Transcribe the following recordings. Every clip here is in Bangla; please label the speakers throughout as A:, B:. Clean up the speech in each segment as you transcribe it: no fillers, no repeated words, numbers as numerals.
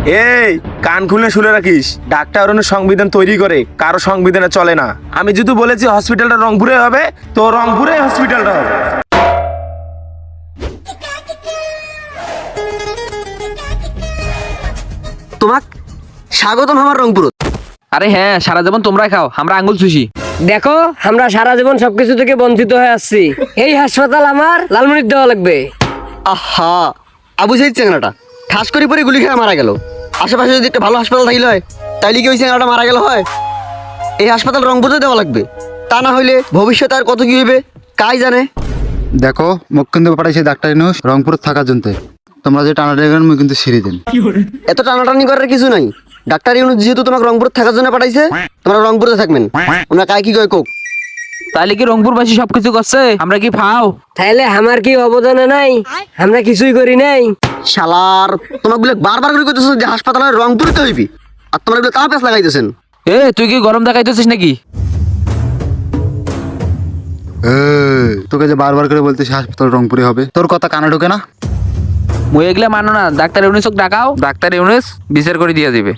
A: এই কান খুলে শুনে রাখিস, ডাক্তার অনু সংবিধান তৈরি করে, কারো সংবিধানে চলে না। আমি যদি বলেছি হসপিটালটা রংপুরে হবে, তো রংপুরে হসপিটালটা হবে।
B: তোমাক স্বাগতম আমার রংপুর।
C: আরে হ্যাঁ, সারা জীবন তোমরাই খাও, আমরা আঙ্গুল চুষি।
D: দেখো আমরা সারা জীবন সবকিছু থেকে বঞ্চিত হয়ে আসছি। এই হাসপাতাল আমার লালমনির দেওয়া লাগবে।
B: আহা, আবু সাইদ চ্যাংরাটা ঠাস করে পরে গুলি খেয়ে মারা গেল। আশেপাশে যদি একটা ভালো হাসপাতাল থাকলে হয়, তাইলে কি ওই চ্যাংরাটা মারা গেল হয়? এই হাসপাতাল রংপুরে দেওয়া লাগবে, তা না হইলে ভবিষ্যতে আর কত কি হইবে কাই জানে।
E: দেখো মুখ কিন্তু পাঠাইছে ডাক্তার ইউনূস রংপুর থাকার জন্য। তোমরা যে টানাটানি করেন মুখ কিন্তু সিঁড়ি দেন।
B: এত টানাটানি করার কিছু নাই। ডাক্তার ইউনূস যেহেতু তোমাকে রংপুর থাকার জন্য পাঠাইছে, তোমরা রংপুরে থাকবেন। ওনা কাই কি কয় কোক।
C: তাহলে কি রংপুরবাসী সবকিছু করছে, আমরা কি ফাও?
D: তাইলে আমার কি অবদান নাই? আমরা কিছুই করি নাই।
B: শালার তোমাকে বলে বারবার করে কইতেছ যে হাসপাতালের রংপুরে তো হইবি, আর তোমরা বলে তা পেছ লাগাইতেছেন।
C: এ তুই কি গরম দেখাইতেছিস নাকি?
E: তোকে যে বারবার করে বলতেছি হাসপাতাল রংপুরে হবে, তোর কথা কানে ঢোকে না?
C: মই এগুলা মানো না। ডাক্তার ইউনুসক ডাকাও, ডাক্তার ইউনুস বিচার করে দিয়ে দিবে।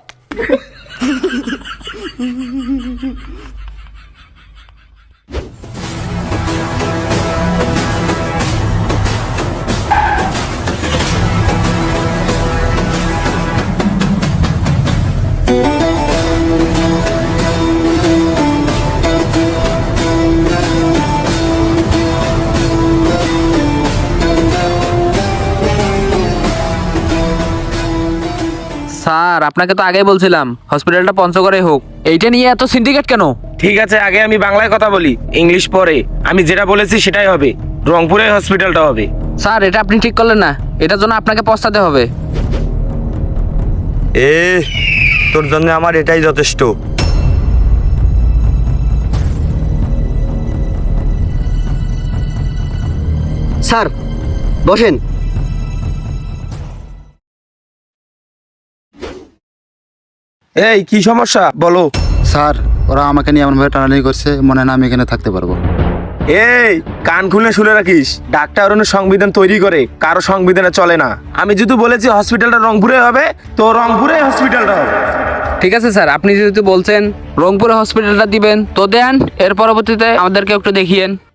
C: স্যার আপনাকে তো আগেই বলছিলাম হসপিটালটা পঞ্চগড়ে হোক। এইটা নিয়ে এত সিন্ডিকেট কেন?
A: ঠিক আছে, আগে আমি বাংলায় কথা বলি, ইংলিশ পরে। আমি যেটা বলেছি সেটাই হবে, রংপুরে হসপিটালটা হবে।
C: স্যার এটা আপনি ঠিক করলেন না, এটার জন্য আপনাকে পস্তাতে হবে।
F: তোর জন্য আমার এটাই যথেষ্ট।
B: স্যার বসেন।
A: এই কি সমস্যা বলো।
E: স্যার ওরা আমাকে নিয়ে এমনভাবে টানাটানি করছে, মনে হয় না আমি এখানে থাকতে পারবো।
A: এই কান খুলে শুনে রাখিস, ডাক্তার অনু সংবিধান তৈরি করে, কারো সংবিধানে চলে না। আমি যদি বলেছি হসপিটালটা রংপুরে হবে, তো রংপুরে হসপিটালটা হবে।
C: ঠিক আছে স্যার, আপনি যেহেতু বলছেন রংপুরে হসপিটালটা দিবেন তো দেন, এর পরবর্তীতে আমাদেরকে একটু দেখিয়েন।